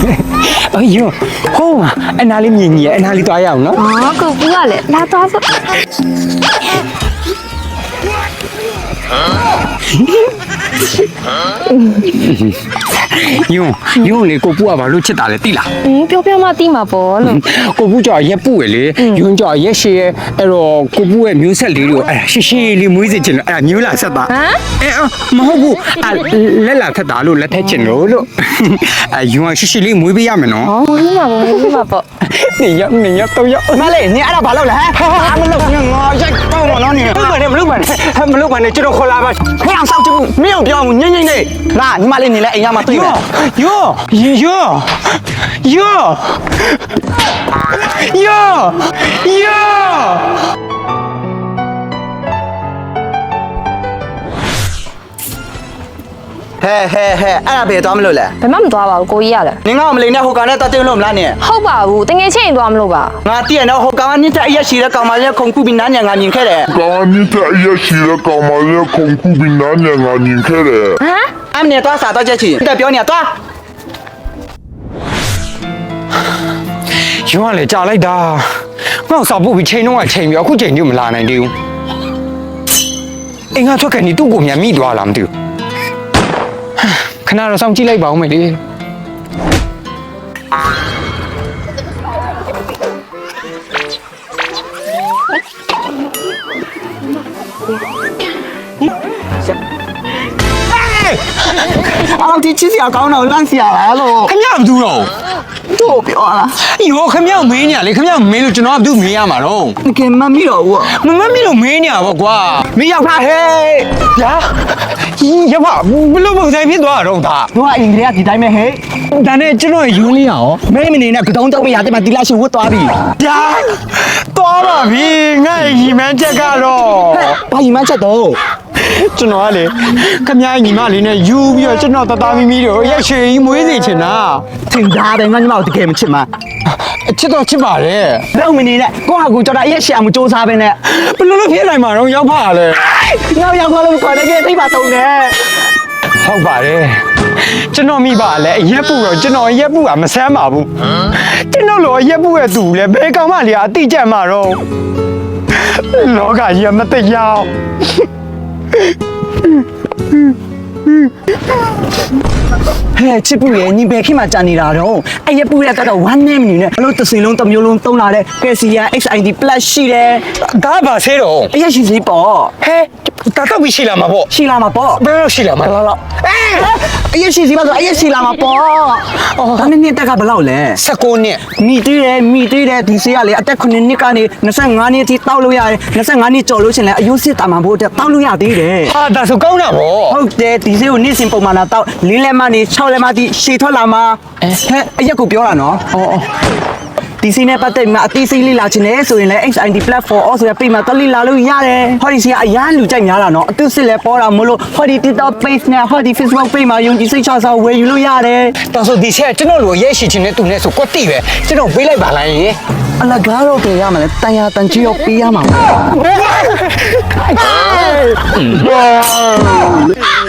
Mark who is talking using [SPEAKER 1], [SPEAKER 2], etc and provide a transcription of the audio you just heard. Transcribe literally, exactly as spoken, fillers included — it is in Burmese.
[SPEAKER 1] 哎呦，好嘛，哎哪里面你？哎哪里多样呢？
[SPEAKER 2] 哦，狗不要嘞，那多少？
[SPEAKER 1] 用用你个布啊，把路吃大了地啦。
[SPEAKER 2] 嗯，表表嘛地嘛包了。
[SPEAKER 1] 個布就一布嘅咧，用咗一些誒咯個布嘅မျိုး色嚟咯，哎呀，謝謝你妹子錢，哎呀，မျိုး藍色吧？
[SPEAKER 2] 啊？
[SPEAKER 1] 誒啊，唔好ဘူး，啊，你藍色打咯，你睇錢咯咯，哎，用啊，謝謝你妹俾ရမယ်နော်。
[SPEAKER 2] 哦，你嘛包，你嘛包。
[SPEAKER 1] 你要你要都要，媽嚟，你အဲ့ဒါဘာလုပ်လဲဟမ်？ဟာမလုပ်ငါရိုက်တော့မနော်你。မလုပ်ပါနဲ့မလုပ်ပါနဲ့မလုပ်ပါနဲ့ကျွန်တော်ခေါ်လာပါဟဲ့အောင်စောက်ကြည့်မင်းပြောငိမ့်ငိမ့်နေလာညီမလေးနေလဲအိမ်ရမှာတွေ့မယ်ယောယောယောယောယောဟဲဟဲဟဲအဲ့ဒါဘယ်သွားမလို့လဲ
[SPEAKER 2] ဘယ်မှမသွားပါဘူးကိုကြီးရလဲ
[SPEAKER 1] နင်ကမလေးနဲ့ဟိုကောင်နဲ့တက်တင်လို့မလားနင်
[SPEAKER 2] ဟုတ်ပါဘူးတငယ်ချင်းသွားမလို့ပါ
[SPEAKER 1] ငါတည့်ရတော့ဟိုကောင်ကနင့်တက်အရက်ရှိတဲ့ကောင်မလေးခုန်ခုပြီးနားညံငါမြင်ခဲ့တယ်
[SPEAKER 3] 刚刚你在夜市的搞嘛的恐怖比男人啊，你看嘞。
[SPEAKER 2] ဟမ်
[SPEAKER 1] အမနဲ့သွားစားတော့ချက်ချင်တက်ပြောနေသွားယူရလေကြာလိုက်တာငါ့စာပုတ်ပြီးချိန်တော့ကချိန်ပြီးအခုချိန်ကြီးမလာနိုင်သေးဘူးအင်္ဂါထွက်ကနေသူ့ကိုမြန်မိသွားလားမသိဘူးခဏတော့စောင့်ကြည့်လိုက်ပါဦးမယ်လေအော်ဒီချစ်စရာကောင်းတော့လန့်စရာလားလို့ခင်ဗျားမသူတော့တို့ပြောလားယောခင်ဗျားမင်းညာလေခင်ဗျားမင်းလို့ကျွန်တော်ကသူ့မင်းရမှာတော့တကယ်မမီတော့ဘူးမမမီလို့မင်းညာပေါ့ကွာမင်းရောက်တာဟဲ့ညာရပါဘလို့ပုံစံဖြစ်သွားတော့ဒါတို့ကအင်္ဂလိပ်ကဒီတိုင်းပဲဟဲ့ဒါနဲ့ကျွန်တော်ယူလေးရအောင်မင်းမနေနဲ့ကတော့တော့မရတဲ့မှာဒီလားရှိဝတ်သွားပြီညာသွားပါပြီငါ့ရီမန်းချက်ကတော့ဘာရီမန်းချက်တော့ကျွန်တော်ကလေခမညီမလေးနဲ့ယူပြီးတော့ကျွန်တော်တသားမီမီတို့ရက်ရွှေကြီးမွေးစီချင်တာထင်သားတယ်ငါညီမတို့တကယ်မချစ်မှာအချစ်တော့ချစ်ပါတယ်တော့မနေနဲ့ကိုယ့်ဟာကိုယ်ကြော်တာရက်ရှည်အောင်စူးစမ်းပဲနဲ့ဘယ်လိုလုပ်ဖြစ်နိုင်မှာတော့ရောက်ပါလေငါရောက်ပါလို့ခေါ်တယ်ကဲသိပါတော့တယ်ဟုတ်ပါတယ်ကျွန်တော်မိပါလဲအရက်ပူတော့ကျွန်တော်ရက်ပူကမဆမ်းပါဘူးကျွန်တော်လိုရက်ပူရဲ့သူလဲဘယ်ကောင်မှလေအတိကျမှာတော့လောကကြီးမတရားဟဲ့ချစ်ပူရဲ့ညီဘယ်ခေတ်မှကြာနေတာတော့အဲ့ရပူရဲ့ကတော့ one name နေနဲ့အလို့တစ်စင်လုံးတစ်မျိုးလုံးသုံးလာတဲ့ Cassia เอ็กซ์ ไอ ดี plus ရှိတယ်ဒါပါဆေးတော့အရက်ရှိစီပေါ့ဟဲ့တာတော့ရှိလာမှာပေါ့ရှိလာမှာပေါ့ဘယ်လိုရှိလာမှာလားလားအဲအရက်ရှိစီပါဆိုအရက်ရှိလာမှာပေါ့အော်ဒါနဲ့နှစ်တက်ကဘယ်လောက်လဲ十九နှစ်မိသေးတယ်မိသေးတယ်ဒီဆေးကလေအသက်ခုနှစ်နှစ်ကနေ၂၅နှစ်အထိတောက်လို့ရတယ်၂၅နှစ်ကျော်လို့ရှင်လဲအယုစစ်တာမှဖို့အတွက်တောက်လို့ရသေးတယ်ဟာဒါဆိုကောင်းတာပေါ့ဟုတ်တယ်ဒီဆေးကိုနေ့စဉ်ပုံမှန်လာတောက်လင်းလက်မနေ၆လက်မတိရှည်ထွက်လာမှာဟဲ့အရက်ကိုပြောတာနော်အော်ဒီစီနဲ့ပတ်သက်မှာအသေးစိတ်လေးလာချင်တယ်ဆိုရင်လည်း เอ็กซ์ ไอ ดี platform အော်ဆိုရပြင်မှာတက်လေးလာလို့ရတယ်ဟောဒီစီကအရန်လူကြိုက်များတာနော်အတူစစ်လဲပေါ်တာမလို့ဟောဒီ TikTok page နဲ့ဟောဒီ Facebook page မှာယုံကြည်စိတ်ချစာဝယ်ယူလို့ရတယ်ဒါဆိုဒီစီကကျွန်တော်လိုရဲရှိချင်တဲ့သူနဲ့ဆိုကွက်တိပဲကျွန်တော်ပေးလိုက်ပါလားယင်အလကားတော့ကြရမှာလဲတန်ရတန်ချီရောပေးရမှာ